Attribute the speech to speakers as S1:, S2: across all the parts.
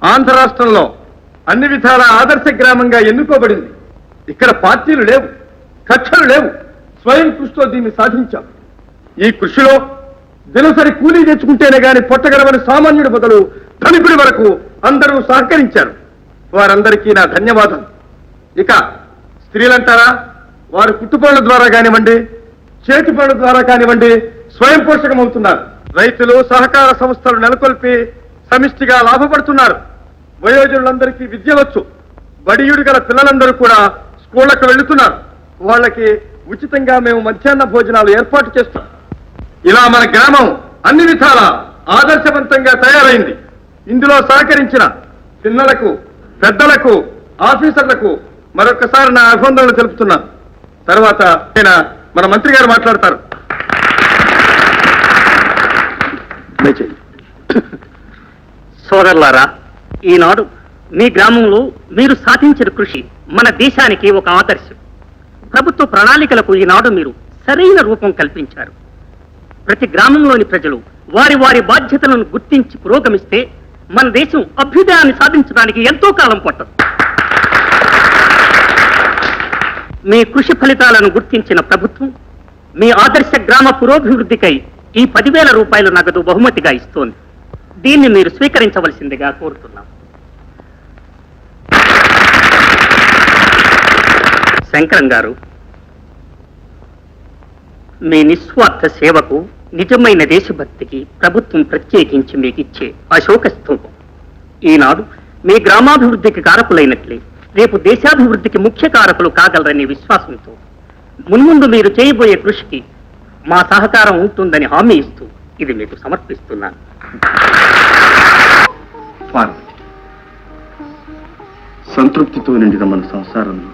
S1: ఆంధ్ర రాష్ట్రంలో అన్ని విధాల ఆదర్శ గ్రామంగా ఎన్నుకోబడింది. ఇక్కడ పార్టీలు లేవు, కక్షలు లేవు. స్వయం కృషితో దీన్ని సాధించాం. ఈ కృషిలో దినసరి కూలీ తెచ్చుకుంటేనే గాని పొట్టగడవని సామాన్యుడి మొదలు ధనికుడి వరకు అందరూ సహకరించారు. వారందరికీ నా ధన్యవాదాలు. ఇక స్త్రీలంటారా, వారు కుట్టుపనుల ద్వారా కానివ్వండి, చేతి పనుల ద్వారా కానివ్వండి స్వయం పోషకమవుతున్నారు. రైతులు సహకార సంస్థలు నెలకొల్పి సమిష్టిగా లాభపడుతున్నారు. వయోజనులందరికీ విద్య వచ్చు. బడియుడు గల పిల్లలందరూ కూడా స్కూళ్లకు వెళుతున్నారు. వాళ్ళకి ఉచితంగా మేము మధ్యాహ్న భోజనాలు ఏర్పాటు చేస్తాం. ఇలా మన గ్రామం అన్ని విధాల ఆదర్శవంతంగా తయారైంది. ఇందులో సహకరించిన పిల్లలకు, పెద్దలకు, ఆఫీసర్లకు మరొకసారి నా అభినందనలు తెలుపుతున్నాను. తర్వాత మన మంత్రి గారు మాట్లాడతారు.
S2: సోదరులారా, ఈనాడు మీ గ్రామంలో మీరు సాధించిన కృషి మన దేశానికి ఒక ఆదర్శం. ప్రభుత్వ ప్రణాళికలకు ఈనాడు మీరు సరైన రూపం కల్పించారు. ప్రతి గ్రామంలోని ప్రజలు వారి వారి బాధ్యతలను గుర్తించి పురోగమిస్తే మన దేశం అభ్యుదయాన్ని సాధించడానికి ఎంతో కాలం పట్టదు. మీ కృషి ఫలితాలను గుర్తించిన ప్రభుత్వం మీ ఆదర్శ గ్రామ పురోభివృద్ధికై ఈ 10,000 రూపాయల నగదు బహుమతిగా ఇస్తోంది. దీన్ని మీరు స్వీకరించవలసిందిగా కోరుతున్నాం. శంకరం గారు, మీ నిస్వార్థ సేవకు, నిజమైన దేశభక్తికి ప్రభుత్వం ప్రత్యేకించి మీకు ఇచ్చే అశోక స్తూపం. ఈనాడు మీ గ్రామాభివృద్ధికి కారకులైనట్లే రేపు దేశాభివృద్ధికి ముఖ్య కారకులు కాగలరనే విశ్వాసంతో మున్ముందు మీరు చేయబోయే కృషికి మా సహకారం ఉంటుందని హామీ ఇస్తూ ఇది మీకు సమర్పిస్తున్నాను.
S1: సంతృప్తితో నిండిన మన సంసారంలో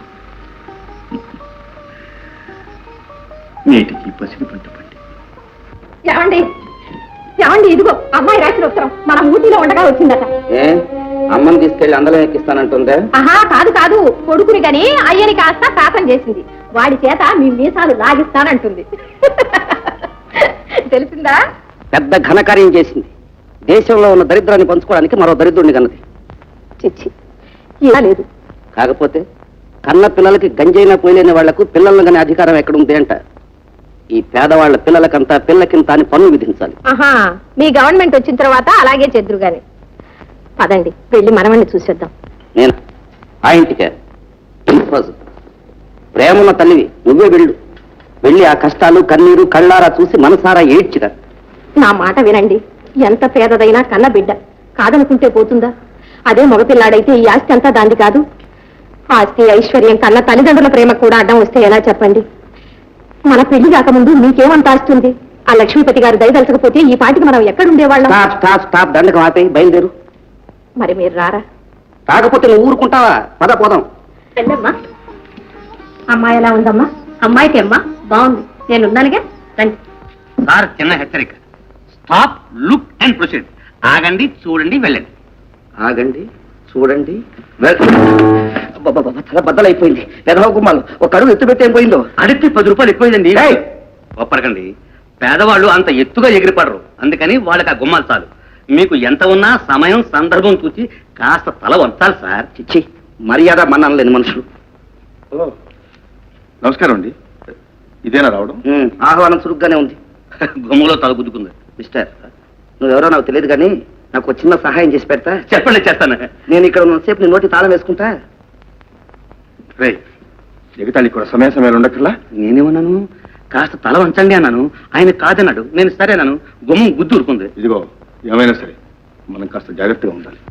S1: నేటికి పసిడి పంట పండి.
S3: ఏమండి ఏమండి, ఇదిగో అమ్మాయి రాసిన ఉత్తరం మన ఊటీలో ఉండగా వచ్చిందట.
S2: అమ్మని తీసుకెళ్లి అందరం ఎక్కిస్తానంటుందే?
S3: ఆహా, కాదు కాదు, కొడుకుని గని అయ్యని కాస్త శాతం చేసింది. వాడి చేత మీ మీసాలు లాగిస్తానంటుంది. తెలిసిందా?
S2: పెద్ద ఘనకార్యం చేసింది. దేశంలో ఉన్న దరిద్రాన్ని పంచుకోవడానికి మరో దరిద్రుడిని కన్నది.
S3: చిచ్చి, ఇలా లేదు.
S2: కాకపోతే కన్న పిల్లలకి గంజైనా పోయలేని వాళ్లకు పిల్లలను కానీ అధికారం ఎక్కడుంది అంట. ఈ పేదవాళ్ల పిల్లలకంతా పిల్లకింత అని పన్ను విధించాలి.
S3: ఆహా, మీ గవర్నమెంట్ వచ్చిన తర్వాత అలాగే చెద్దురు గాని. పదండి, వెళ్ళి మనవణ్ణి చూసేద్దాం.
S2: నేను ఆ ఇంటికే ప్రేమన్న తల్లివి, నువ్వే వెళ్ళు. వెళ్ళి ఆ కష్టాలు కన్నీరు కళ్ళారా చూసి మనసారా ఏడ్చిరా.
S3: నా మాట వినండి. ఎంత పేదదైనా కన్న బిడ్డ కాదనుకుంటే పోతుందా? అదే మగపిల్లాడైతే ఈ ఆస్తి అంతా దాంది కాదు. ఆస్తి ఐశ్వర్యం కన్నా తల్లిదండ్రుల ప్రేమ కూడా అడ్డం వస్తే ఎలా చెప్పండి? మన పెళ్లి కాకముందు మీకేమంత ఆస్తుంది? ఆ లక్ష్మీపతి గారు దయదలచకపోతే ఈ పాటికి మనం ఎక్కడుండేవాళ్ళం?
S2: దండకం ఆపే, బయలుదేరు.
S3: మరి మీరు రారా?
S2: కాకపోతే నువ్వు ఊరుకుంటావా? పద పోదాం.
S3: వెళ్ళమ్మా. అమ్మాయి ఎలా ఉందమ్మా? అమ్మాయికి అమ్మా బాగుంది, నేనున్నానుగా. రండి.
S2: సార్, చిన్న హెచ్చరిక. Stop, look and proceed. ఆగండి, చూడండి, వెళ్ళండి. ఆగండి, చూడండి, తల బద్దలైపోయింది. పెదవ గుమ్మాలు ఒక అడుగు ఎత్తు పెట్టి ఏం పోయిందో. అడిగితే 10 రూపాయలు ఎక్కువైందండి. ఒప్పరకండి, పేదవాళ్ళు అంత ఎత్తుగా ఎగిరిపడరు. అందుకని వాళ్ళకి ఆ గుమ్మాలు చాలు. మీకు ఎంత ఉన్నా సమయం సందర్భం చూసి కాస్త తల వంచాలి సార్. చిచ్చి, మర్యాద మన్నాను లేని మనుషులు.
S1: నమస్కారం అండి. ఇదేనా రావడం?
S2: ఆహ్వానం చురుగ్గానే ఉంది. గుమ్మలో తల గుద్దుకుంది. మిస్టర్, నువ్వెవరో నాకు తెలియదు కానీ నాకు ఒక చిన్న సహాయం చేసి పెడతా? చెప్పండి, చేస్తాను. నేను ఇక్కడ ఉన్నసేపు నీ నోటి తాళం వేసుకుంటా.
S1: రే, ఎగతాళి కూడా సమయ సమయాలు ఉండక్కర్లా.
S2: నేనేమన్నాను? కాస్త తల వంచండి అన్నాను. ఆయన కాదన్నాడు. నేను సరేనాను. గుమ్మం గుద్దు ఊరుకుంది.
S1: ఇదిగో, ఏమైనా సరే మనం కాస్త జాగ్రత్తగా ఉండాలి.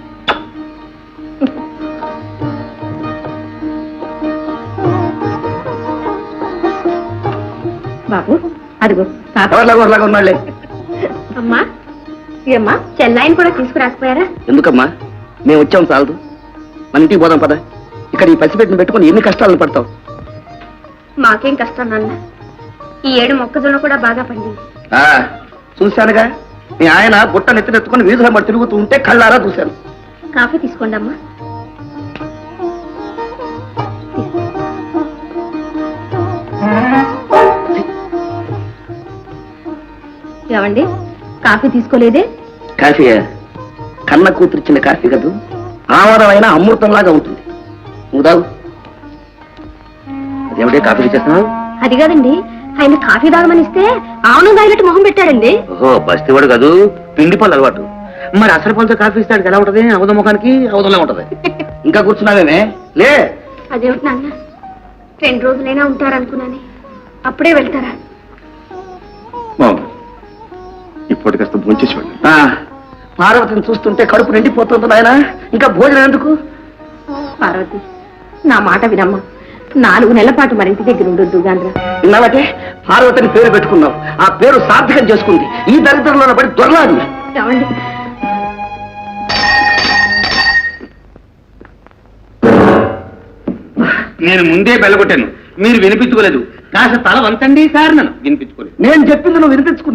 S3: బాబు, అదిగో
S2: ఉన్నాళ్లే.
S3: అమ్మా, ఏమ్మా, చెన్నైని కూడా తీసుకురాకపోయారా?
S2: ఎందుకమ్మా, మేము వచ్చాం చాలదు. మన ఇంటికి పోదాం పద. ఇక్కడ ఈ పసిపెట్టిన పెట్టుకుని ఎన్ని కష్టాలను పడతావు?
S3: మాకేం కష్టం నాన్న. ఈ ఏడు మొక్కజొన్న కూడా బాగా పండింది.
S2: చూశానుగా, మీ ఆయన బుట్ట నెత్తినెత్తుకుని వీధుల మరి తిరుగుతూ ఉంటే కళ్ళారా చూశాను.
S3: కాఫీ తీసుకోండి అమ్మా. ఏమండి, కాఫీ తీసుకోలేదే?
S4: కన్న కూతురిచ్చిన కాఫీ కదూ ఆమరమైన అమృతంలాగా ఉంటుంది. నువ్వు తాగు. అదేమిటే కాఫీ చేస్తున్నావు?
S3: అది కాదండి, ఆయన కాఫీ తాగమని ఇస్తే ఆవును తాగినట్టు మొహం పెట్టాడండి.
S4: ఓహో, బస్తీవాడు కాదు, పిండి పళ్ళు అలవాటు. మరి అసలు పళ్ళతో కాఫీ ఇస్తాడు ఎలా ఉంటది? అవధ ముఖానికి అవధంలా ఉంటది. ఇంకా కూర్చున్నావేమే? లే.
S3: అదేమిటి నాన్న, 2 రోజులైనా ఉంటారనుకున్నానే, అప్పుడే వెళ్తారా?
S1: ఇప్పటి కాస్త భోంచేసి వెళ్ళండి.
S4: పార్వతిని చూస్తుంటే కడుపు నిండిపోతుంది నాయన, ఇంకా భోజనం ఎందుకు?
S3: పార్వతి, నా మాట వినమ్మా. 4 నెలల పాటు మరింటి దగ్గర ఉండొద్దు గాంధ్ర.
S4: ఇన్నాళ్ళకే పార్వతిని పేరు పెట్టుకున్నావు, ఆ పేరు సార్థకం చేసుకుంది. ఈ దరిద్రంలో పడి దొరలాడు.
S3: ఏమండి,
S1: నేను ముందే బెల్లగొట్టాను, మీరు వినిపించుకోలేదు. కాస్త తల వంచండి సార్. నన్ను వినిపించుకోలేదు.
S4: నేను చెప్పింది నువ్వు వినిపించుకున్నావు.